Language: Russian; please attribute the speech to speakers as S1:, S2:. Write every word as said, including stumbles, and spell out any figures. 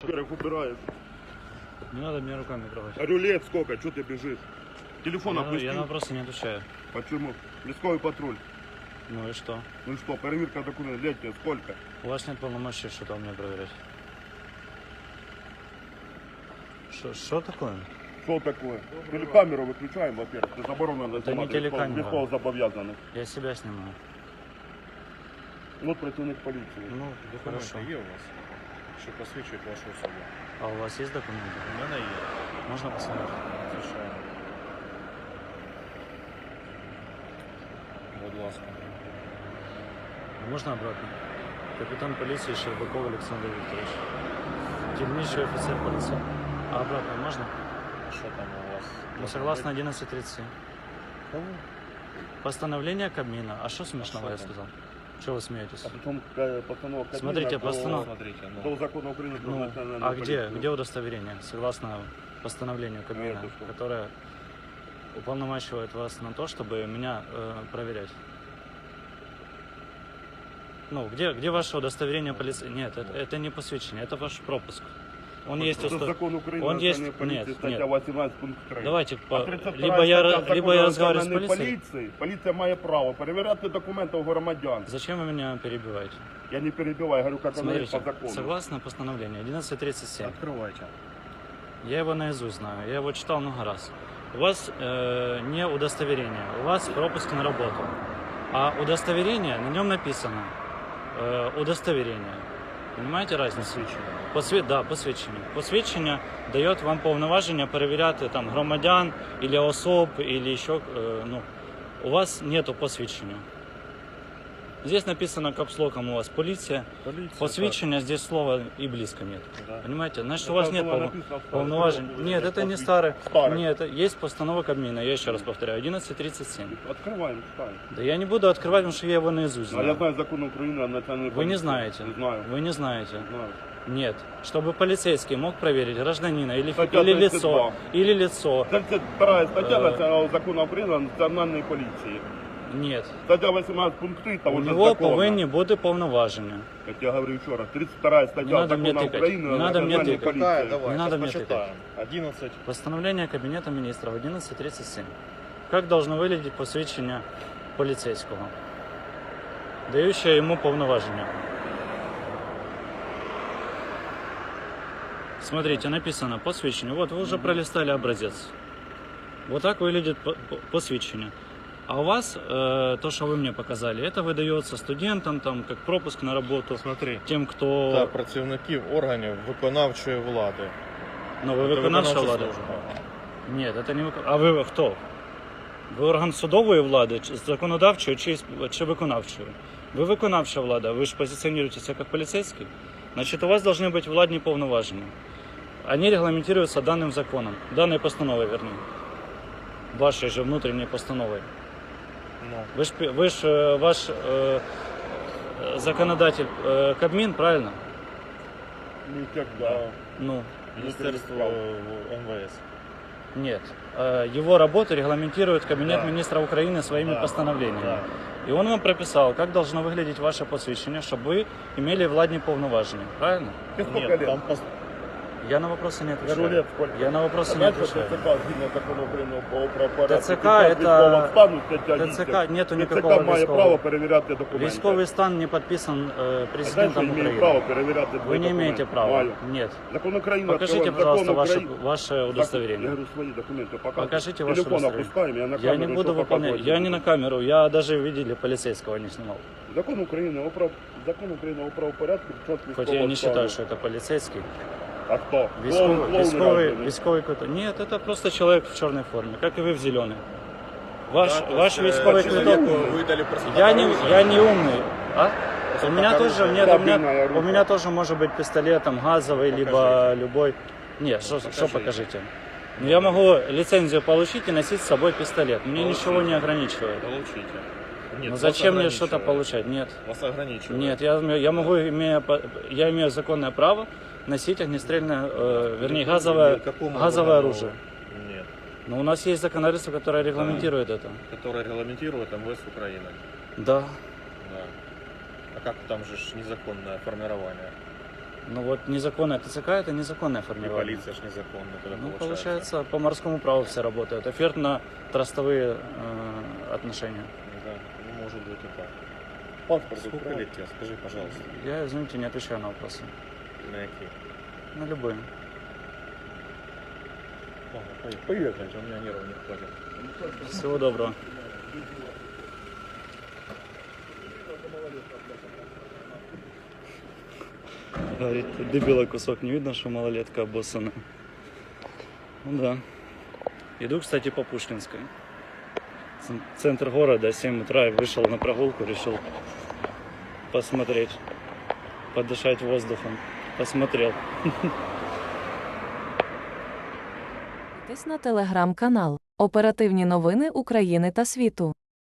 S1: Как убираешь?
S2: Не надо мне руками трогать.
S1: А рулет сколько? Что ты бежишь? Телефон
S2: Я,
S1: опусти.
S2: я на вопросы не отвечаю.
S1: Почему? Лесковый патруль.
S2: Ну и что?
S1: Ну и что, проверка документов, лет тебе сколько?
S2: У вас нет полномочий что-то у меня проверять. Что, что такое?
S1: Что такое? Телекамеру выключаем, во-первых. Это заборонено.
S2: Это не телекамера.
S1: Легко забовязаны.
S2: Я себя снимаю.
S1: Вот противник полиции.
S2: Ну,
S3: Документи
S2: хорошо.
S3: є у вас, що посвідчують вашу особу?
S2: А у вас есть документы?
S3: У мене є.
S2: Можно посмотреть?
S3: Звичайно. Будь ласка.
S2: Можно обратно? Капитан полиции Щербаков Александр Викторович. Дільничий офицер полиции. А обратно можно?
S3: Що там у вас?
S2: Ну, согласно одиннадцать тридцать семь.
S3: Кого?
S2: Постановление Кабмина. А что смешного
S3: А
S2: я
S3: что там?
S2: сказал? Чего вы смеетесь?
S1: А потом какая постановка Кабмина
S2: Смотрите,
S1: до-
S2: постанов-
S3: Смотрите,
S1: До
S3: ну.
S1: закона Украины про
S2: Ну,
S1: национальную
S2: а где,
S1: полицию.
S2: где удостоверение? Согласно постановлению Кабмина,
S1: это что?
S2: которое уполномачивает вас на то, чтобы меня э, проверять. Ну, где, где ваше удостоверение полиции? Нет, это, это не посвящение, это ваш пропуск. Он есть...
S1: Это
S2: усто-
S1: закон Украины
S2: Он
S1: о
S2: есть-
S1: национальной полиции,
S2: нет,
S1: статья
S2: нет.
S1: восемнадцать пункт три.
S2: Давайте, по-
S1: А тридцять вторая
S2: либо я,
S1: стаття
S2: ра- либо
S1: закону
S2: я
S1: о
S2: разговариваю с
S1: національній
S2: полицией.
S1: поліції. Поліція має право перевіряти документи у громадян.
S2: Зачем вы меня перебиваете?
S1: Я не перебиваю, говорю, как оно есть
S2: Смотрите,
S1: по закону.
S2: согласно постановлению одиннадцать тридцать семь,
S3: Открывайте.
S2: я его наизусть знаю, я его читал много раз. У вас э, не удостоверение, у вас пропуск на работу. А удостоверение, на нем написано э, удостоверение. Понимаете разницу?
S3: Посвідчення.
S2: Посві... Да, посвідчення. Посвідчення дає вам повноваження перевіряти там громадян, или особ, или ще, е, ну, у вас нету посвідчення. Здесь написано капслоком у вас полиция.
S3: Поліція.
S2: Посвідчення, здесь слова и близко нет.
S3: Да.
S2: Понимаете? Значит, у
S1: Это
S2: вас нет
S1: было
S2: полно-
S1: написано в старых
S2: полноважень.
S1: законах,
S2: Нет,
S1: это
S2: это не
S1: посвящ-
S2: старый.
S1: Старый.
S2: Нет, это есть постанова Кабмина, я еще раз повторяю, одиннадцать тридцать семь.
S1: Открываем, читаем.
S2: Да я не буду открывать, потому что я его наизусть
S1: А я
S2: знаю.
S1: знаю закон Украины о национальной
S2: Вы
S1: полиции.
S2: не знаете.
S1: Не знаю.
S2: Вы не знаете.
S1: Не знаю.
S2: Нет. Чтобы полицейский мог проверить гражданина или,
S1: Статья
S2: или
S1: тридцать
S2: лицо,
S1: два.
S2: или лицо.
S1: тридцать вторая статья
S2: Э.
S1: национального закона Украины о национальной полиции.
S2: Нет.
S1: Статья восемнадцать пункт три того
S2: У
S1: же
S2: него
S1: закона.
S2: повинні бути повноваження.
S1: Как я говорю еще раз, тридцать вторая
S2: Не
S1: статья
S2: надо мне
S1: закона
S2: тыкать.
S1: Украины
S2: Не
S1: о
S2: надо мне
S1: национальной
S2: тыкать.
S1: полиции.
S3: Какая? Давай,
S2: Не надо мне
S3: почитаем. одиннадцать.
S2: Постановление Кабинета министров одиннадцать тридцать семь. Как должно выглядеть посвідчення полицейского, дающее ему повноваження? Смотрите, написано посвящение. Вот вы уже пролистали образец. Вот так выглядит по- по- посвящение. А у вас э, то, что вы мне показали, это выдается студентам, там, как пропуск на работу,
S3: Смотри.
S2: тем, кто...
S3: Та працівників органів виконавчої влади.
S2: Ну, вы
S3: Це
S2: виконавча
S3: виконавча
S2: влада?
S3: служба.
S2: Нет, это не виконавча. А ви хто? Ви орган судової влади, чи законодавчої, чи, чи виконавчої? Ви виконавча влада, ви ж позиціонуєтеся як поліцейський. Значить, у вас должны быть владні повноваження. Они регламентируются данным законом, данной постановой, вернее. Вашей же внутренней постановой.
S3: Ну,
S2: Вы ж, вы ж э, ваш э, законодатель э, Кабмин, правильно?
S1: Никогда.
S2: Ну,
S3: Міністерство эм вэ эс.
S2: нет. Э, Его работу регламентирует Кабинет
S3: Да.
S2: министров Украины своими
S3: Да.
S2: постановлениями.
S3: Да.
S2: И он вам прописал, как должно выглядеть ваше посвящение, чтобы вы имели владні повноваження. Правильно?
S1: Тебе сколько
S3: Нет,
S1: лет?
S3: там пос-
S2: Я на вопросы не отвечаю.
S1: Говорю, лет сколько?
S2: Я на вопросы
S1: А
S2: не
S1: дальше
S2: отвечаю.
S1: ТЦК, згідно закону України про правопорядок,
S2: ТЦК
S1: під час
S2: это-
S1: військового стану, стаття
S2: ТЦК
S1: вісім,
S2: нету
S1: ТЦК
S2: никакого
S1: має
S2: військового.
S1: право перевіряти документи.
S2: Військовый стан не подписан э,
S1: А дальше
S2: президентом
S1: имею
S2: Украины.
S1: право перевіряти
S2: Вы
S1: твої
S2: не имеете
S1: документи.
S2: права.
S1: Маю.
S2: Нет.
S1: Закон України
S2: Покажите,
S1: открываем.
S2: пожалуйста,
S1: Закон
S2: ваше,
S1: Украины.
S2: ваше
S1: Я
S2: удостоверение.
S1: говорю, свои документы показывай.
S2: Покажите ваше
S1: Телефон
S2: удостоверение.
S1: опускаем, я на
S2: Я
S1: камеру
S2: не буду
S1: еще
S2: выполнять.
S1: показывать
S2: Я
S1: буду.
S2: не на камеру. Я даже видели полицейского не снимал.
S1: Закон України, о прав... Закон України о правопорядку під час
S2: Хоть
S1: військового
S2: я не
S1: стану.
S2: считаю, что это полицейский.
S1: А хто?
S2: Військовый,
S1: Клоун- клоун
S2: військовый,
S1: разве?
S2: військовый какой-то. Нет, это просто человек в черной форме, как и вы в зеленой. Ваш,
S3: Да, то
S2: ваш
S3: есть, э,
S2: військовый квиток.
S3: человеку выдали просто
S2: Я не,
S3: оружие.
S2: я не умный. А? У меня
S3: так
S2: тоже,
S3: оружие.
S2: нет, у
S1: Табельное
S2: меня,
S1: оружие.
S2: у меня тоже может быть пистолет там газовый, либо
S3: Покажите.
S2: любой. Нет, что
S3: Покажите.
S2: покажите? Ну, я могу лицензию получить и носить с собой пистолет. Мне
S3: Получите.
S2: ничего не ограничивает.
S3: Получите. Нет,
S2: Ну
S3: вас
S2: зачем мне что-то
S3: ограничивает.
S2: получать? Нет.
S3: Вас ограничивает.
S2: Нет, я, я могу, имея, по- я имею законное право носить огнестрельное, э, вернее, газовое,
S3: Какому
S2: газовое
S3: органу?
S2: оружие.
S3: Нет.
S2: Но у нас есть законодательство, которое регламентирует это.
S3: Которое регламентирует эм вэ эс Украины.
S2: Да.
S3: Да. А как там же ж незаконное формирование?
S2: Ну вот незаконное ТЦК это незаконное
S3: И
S2: формирование.
S3: полиция ж незаконно тогда
S2: Ну,
S3: получается.
S2: получается, по морскому праву все работают. Офертно-трастовые э, отношения.
S3: Да, ну, может быть и так.
S1: Паспорт
S3: Сколько
S1: украли.
S3: лет тебе, скажи, пожалуйста,
S2: Я, извините, не отвечаю на вопросы.
S3: на какие?
S2: На любые.
S3: Ладно, поехали.
S1: Поехали.
S3: У меня нервов не хватит.
S2: Всего доброго. Говорит, дебила кусок, не видно, что малолетка обоссана. Ну да. Иду, кстати, по Пушкинской. Ц- Центр города, семь утра, и вышел на прогулку, решил посмотреть, подышать воздухом. Посмотрел.
S4: Підписуйтесь на телеграм-канал «Оперативні новини України та світу».